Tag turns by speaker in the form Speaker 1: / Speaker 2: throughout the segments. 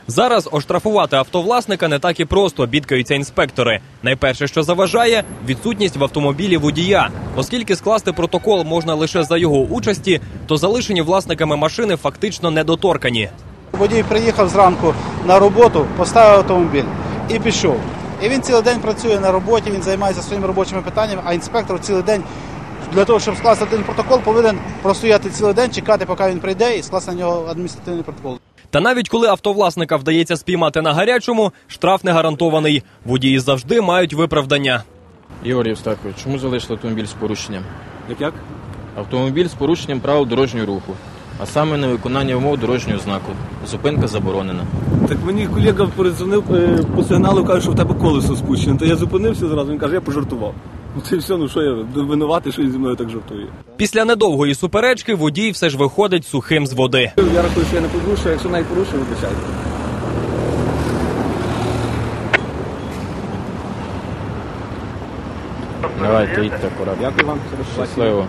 Speaker 1: Зараз оштрафувати автовласника не так і просто, бідкаються інспектори. Найперше, що заважає – відсутність в автомобілі водія. Оскільки скласти протокол можна лише за його участі, то залишені власниками машини фактично недоторкані.
Speaker 2: Водій приїхав зранку на роботу, поставив автомобіль і пішов. І він цілий день працює на роботі, він займається своїми робочими питаннями, а інспектор цілий день для того, щоб скласти один протокол, повинен простояти цілий день, чекати, поки він прийде, і скласти на нього адміністративний протокол.
Speaker 1: Та навіть коли автовласника вдається спіймати на гарячому, штраф не гарантований. Водії завжди мають виправдання.
Speaker 3: Ігор Євстакович, чому залишили автомобіль з порушенням?
Speaker 4: Як?
Speaker 3: Автомобіль з порушенням правил дорожнього руху, а саме невиконання умов дорожнього знаку. Зупинка заборонена.
Speaker 4: Так мені колега передзвонив по сигналу, каже, що в тебе колесо спущене. То я зупинився зразу, він каже, я пожартував. Ну це все, ну що я винуватий, що він зі мною так жартує.
Speaker 1: Після недовгої суперечки водій все ж виходить сухим з води.
Speaker 4: Я рахую, що я не порушую, якщо навіть порушую, вибачайте.
Speaker 3: Давайте, їдьте акуратно.
Speaker 4: Дякую вам.
Speaker 3: Щасливо.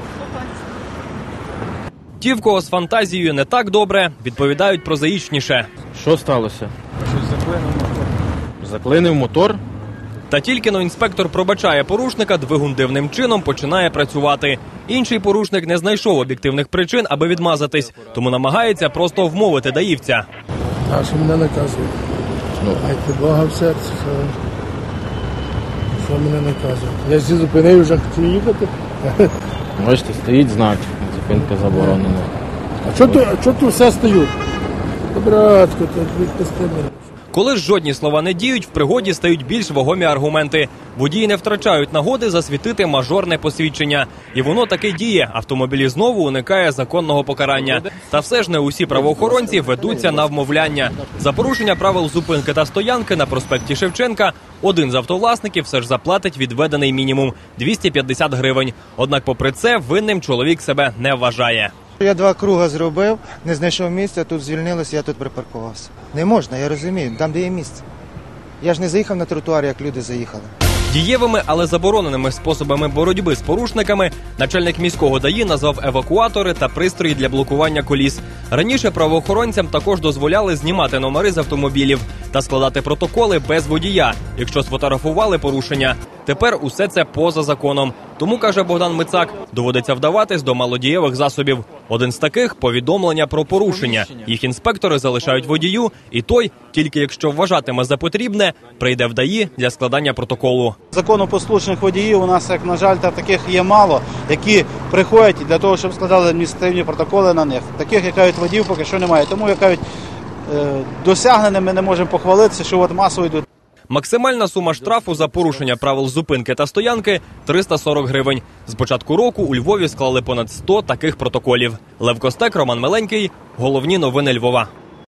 Speaker 1: Ті, в кого з фантазією не так добре, відповідають прозаїчніше.
Speaker 3: Що сталося? Заклинив мотор?
Speaker 1: Та тільки-но інспектор пробачає порушника, двигун дивним чином починає працювати. Інший порушник не знайшов об'єктивних причин, аби відмазатись, тому намагається просто вмовити даївця.
Speaker 5: А що мене наказують? Майте Бога в серці, що мене наказують. Я всі зупинив, вже хотів їхати.
Speaker 3: Бачите, стоїть знак, зупинка заборонена.
Speaker 5: А чого тут все стою? Братко, так відпусти мене.
Speaker 1: Коли ж жодні слова не діють, в пригоді стають більш вагомі аргументи. Водії не втрачають нагоди засвітити мажорне посвідчення. І воно таки діє. Автомобілі знову уникає законного покарання. Та все ж не усі правоохоронці ведуться на вмовляння. За порушення правил зупинки та стоянки на проспекті Шевченка один з автовласників все ж заплатить відведений мінімум – 250 гривень. Однак попри це винним чоловік себе не вважає.
Speaker 6: Я 2 круги зробив, не знайшов місця, тут звільнилося, я тут припаркувався. Не можна, я розумію, там де є місце. Я ж не заїхав на тротуар, як люди заїхали.
Speaker 1: Дієвими, але забороненими способами боротьби з порушниками начальник міського ДАІ назвав евакуатори та пристрої для блокування коліс. Раніше правоохоронцям також дозволяли знімати номери з автомобілів та складати протоколи без водія, якщо сфотографували порушення. Тепер усе це поза законом. Тому, каже Богдан Мицак, доводиться вдаватись до малодієвих засобів. Один з таких – повідомлення про порушення. Їх інспектори залишають водію, і той, тільки якщо вважатиме за потрібне, прийде в ДАІ для складання протоколу.
Speaker 2: Законопослушних водіїв у нас, як на жаль, таких є мало, які приходять для того, щоб складали адміністративні протоколи на них. Таких, як кажуть, водіїв поки що немає. Тому, як кажуть, досягненими не можемо похвалитися, що от масово йдуть.
Speaker 1: Максимальна сума штрафу за порушення правил зупинки та стоянки – 340 гривень. З початку року у Львові склали понад 100 таких протоколів. Лев Костек, Роман Меленький. Головні новини Львова.